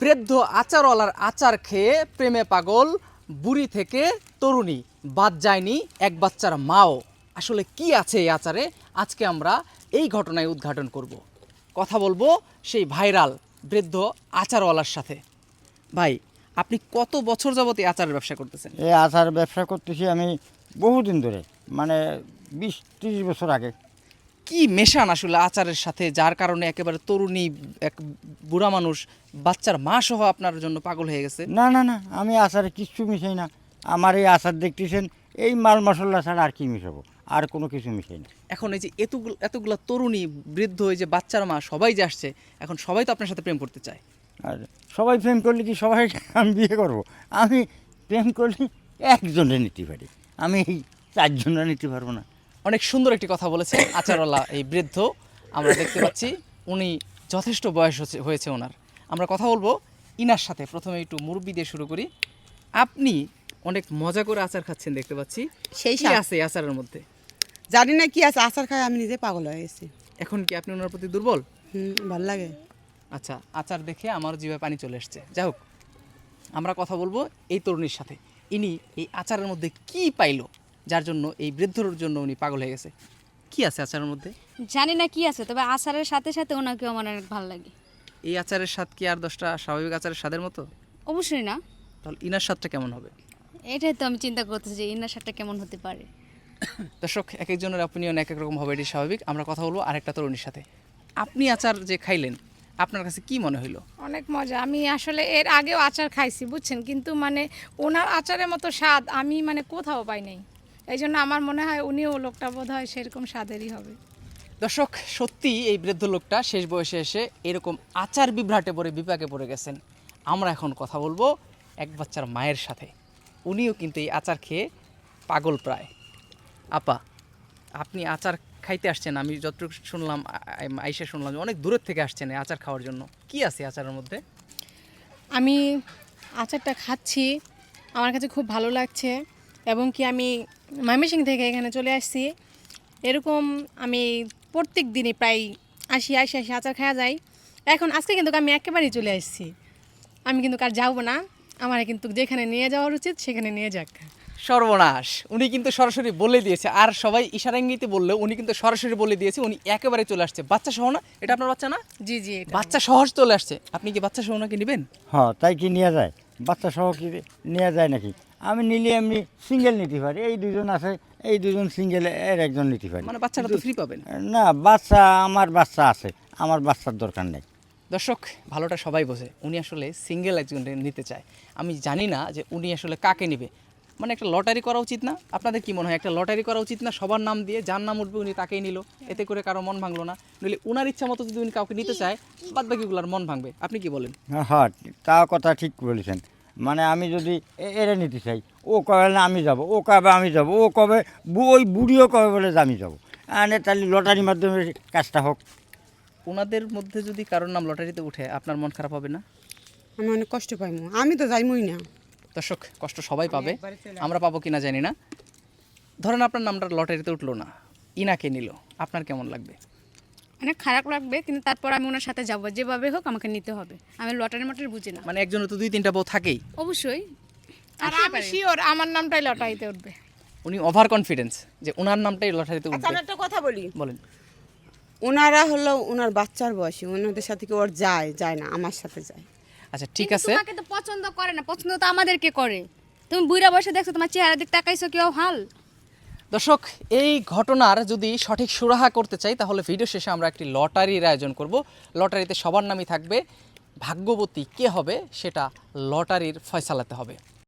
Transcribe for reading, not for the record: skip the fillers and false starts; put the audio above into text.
বৃদ্ধ আচারওয়ালার আচার খেয়ে প্রেমে পাগল বুড়ি থেকে তরুণী, বাদ যায়নি এক বাচ্চার মাও। আসলে কি আছে এই আচারে, আজকে আমরা এই ঘটনায় উদ্ঘাটন করব। কথা বলবো সেই ভাইরাল বৃদ্ধ আচারওয়ালার সাথে। ভাই, আপনি কত বছর যাবত এই আচারের ব্যবসা করতেছেন? এই আচার ব্যবসা করতেছি আমি বহুদিন ধরে, মানে 20-30 বছর আগে। কি মেশান আসলে আচারের সাথে, যার কারণে একেবারে তরুণী, এক বুড়া মানুষ, বাচ্চার মা সহ আপনার জন্য পাগল হয়ে গেছে? না না না, আমি আচারে কিচ্ছু মিশাই না। আমার এই আচার দেখতেছেন, এই মাল মশলা ছাড়া আর কি মিশাবো, আর কোনো কিছু মিশাই না। এখন এই যে এতগুলা তরুণী, বৃদ্ধ, এই যে বাচ্চার মা, সবাই যে আসছে, এখন সবাই তো আপনার সাথে প্রেম করতে চায়। আর সবাই প্রেম করলে কি সবাই আমি বিয়ে করব? আমি প্রেম করলে একজনে নিতে পারি, আমি এই 4 জনে নিতে পারবো না। অনেক সুন্দর একটি কথা বলেছে আচারওয়ালা এই বৃদ্ধ। আমরা দেখতে পাচ্ছি উনি যথেষ্ট বয়স হয়েছে ওনার। আমরা কথা বলবো ইনার সাথে। প্রথমে একটু মুরব্বি দিয়ে শুরু করি। আপনি অনেক মজা করে আচার খাচ্ছেন দেখতে পাচ্ছি। সেই কি স্বাদ। আছে এই আচারের মধ্যে? জানি না কি আছে, আচার খাই আমি নিজে পাগল হয়ে গেছি। এখন কি আপনি ওনার প্রতি দুর্বল? ভাল লাগে। আচ্ছা, আচার দেখে আমার জিভে পানি চলে এসছে। যাই হোক, আমরা কথা বলবো এই তরুণীর সাথে। ইনি এই আচারের মধ্যে কি পাইলো যার জন্য এই বৃদ্ধর জন্য উনি পাগল হয়ে গেছে? কি আছে আচারের মধ্যে? জানি না কি আছে, তবে আচারের সাথে সাথে ওনাকে আমার অনেক ভালো লাগে। এই আচারের স্বাদ কি আর 10টা স্বাভাবিক আচারের স্বাদের মতো? অবশ্যই না। তাহলে ইনার স্বাদটা কেমন হবে? এটাই তো আমি চিন্তা করতেছি যে ইনার সাথে কেমন হতে পারে। দর্শক, এক একজনের অপিনিয়ন এক এক রকম হবে, এটি স্বাভাবিক। আমরা কথা বলবো আরেকটা তরুণীর সাথে। আপনি আচার যে খাইলেন, আপনার কাছে কি মনে হইলো? অনেক মজা। আমি আসলে এর আগেও আচার খাইছি বুঝছেন, কিন্তু মানে ওনার আচারের মতো স্বাদ আমি মানে কোথাও পাই নাই। এই জন্য আমার মনে হয় উনিও লোকটা বোধ হয় সেরকম স্বাদেরই হবে। দর্শক, সত্যি এই বৃদ্ধ লোকটা শেষ বয়সে এসে এরকম আচার বিভ্রাটে পড়ে বিপাকে পড়ে গেছেন। আমরা এখন কথা বলবো এক বাচ্চার মায়ের সাথে। উনিও কিন্তু এই আচার খেয়ে পাগল প্রায়। আপা, আপনি আচার খাইতে আসছেন, আমি যতটুকু শুনলাম, আইসা শুনলাম যে অনেক দূরের থেকে আসছেন এই আচার খাওয়ার জন্য। কি আছে আচারের মধ্যে? আমি আচারটা খাচ্ছি, আমার কাছে খুব ভালো লাগছে, এবং কি আমি ময়মনসিং থেকে এখানে চলে আসছি। এরকম আমি প্রত্যেক দিনই প্রায় আসি আচার খাওয়া যায়। এখন আজকে কিন্তু আমি একেবারেই চলে আসছি, আমি কিন্তু কার যাবো না, আমার কিন্তু যেখানে নিয়ে যাওয়ার উচিত সেখানে নিয়ে যাক। সর্বনাশ, উনি কিন্তু সরাসরি বলে দিয়েছে। আর সবাই ইশারা ইঙ্গিতে বললেও উনি কিন্তু সরাসরি বলে দিয়েছে উনি একেবারে চলে আসছে। বাচ্চা সহ না? এটা আপনার বাচ্চা না? জি জি, এটা বাচ্চা সহজ চলে আসছে। আপনি কি বাচ্চা সহ নাকি নেবেন? হ্যাঁ, তাই কি নেওয়া যায়? বাচ্চা সহ কি নেওয়া যায় নাকি? আমি নিলে এমনি সিঙ্গেল নিতে পারি। এই দুজন আছে, এই দুজন সিঙ্গেল, এর একজন নিতে পারি। মানে বাচ্চাটা তো ফ্রি পাবেন। না, আমার বাচ্চা আছে, আমার বাচ্চার দরকার নেই। দর্শক, ভালোটা সবাই বোঝে। উনি আসলে সিঙ্গেল একজন নিতে চায়। আমি জানি না যে উনি আসলে কাকে নেবে। মানে একটা লটারি করা উচিত না? আপনাদের কি মনে হয় একটা লটারি করা উচিত না? সবার নাম দিয়ে যার নাম উঠবে উনি তাকেই নিল, এতে করে কারো মন ভাঙলো না। নইলে উনার ইচ্ছা মতো যদি উনি কাউকে নিতে চায়, বাদ বাকিগুলোর মন ভাঙবে। আপনি কি বলেন? হ্যাঁ, তা কথা ঠিক বলেছেন। মানে আমি যদি এরা নিতে চাই, ও কবে না আমি যাব, ও কবে আমি যাব, ও কবে ওই বুড়িও কবে বলে যে আমি যাবো। তাহলে লটারির মাধ্যমে কাজটা হোক। ওনাদের মধ্যে যদি কারোর নাম লটারিতে উঠে, আপনার মন খারাপ হবে না? আমি অনেক কষ্ট পাইমু, আমি তো যাইমই না। দর্শক, কষ্ট সবাই পাবে, আমরা পাবো কিনা জানি না। ধরেন আপনার নামটা লটারিতে উঠলো না, ইনাকে নিল, আপনার কেমন লাগবে? অনেক খারাপ লাগবে, কিন্তু তারপর আমি ওনার সাথে যাবো, যেভাবে হোক আমাকে নিতে হবে। আমি লটারি মটারি বুঝি না। মানে একজনের তো 2-3টা বউ থাকেই। অবশ্যই। আর আমি শিওর আমার নামটাই লটারিতে উঠবে। উনি ওভার কনফিডেন্স যে ওনার নামটাই লটারিতে আচ্ছা, উঠবে। আমি একটা কথা বলি। বলেন। ওনারা হলো ওনার বাচ্চার বয়সী, ওনাদের সাথে কি ওর যায় না, আমার সাথে যায়। আচ্ছা, ঠিক কিন্তু আছে। তোমাকে তো পছন্দ করে না, পছন্দ তো আমাদেরকে করে। তুমি বুড়া বয়সে দেখছো, তোমার চেহারা দিক তাকাইছো কেউ হাল। দর্শক, এই ঘটনার যদি সঠিক সুরাহা করতে চাই, তাহলে ভিডিও শেষে আমরা একটি লটারির আয়োজন করব। লটারিতে সবার নামই থাকবে। ভাগ্যবতী কে হবে সেটা লটারির ফয়সালাতে হবে।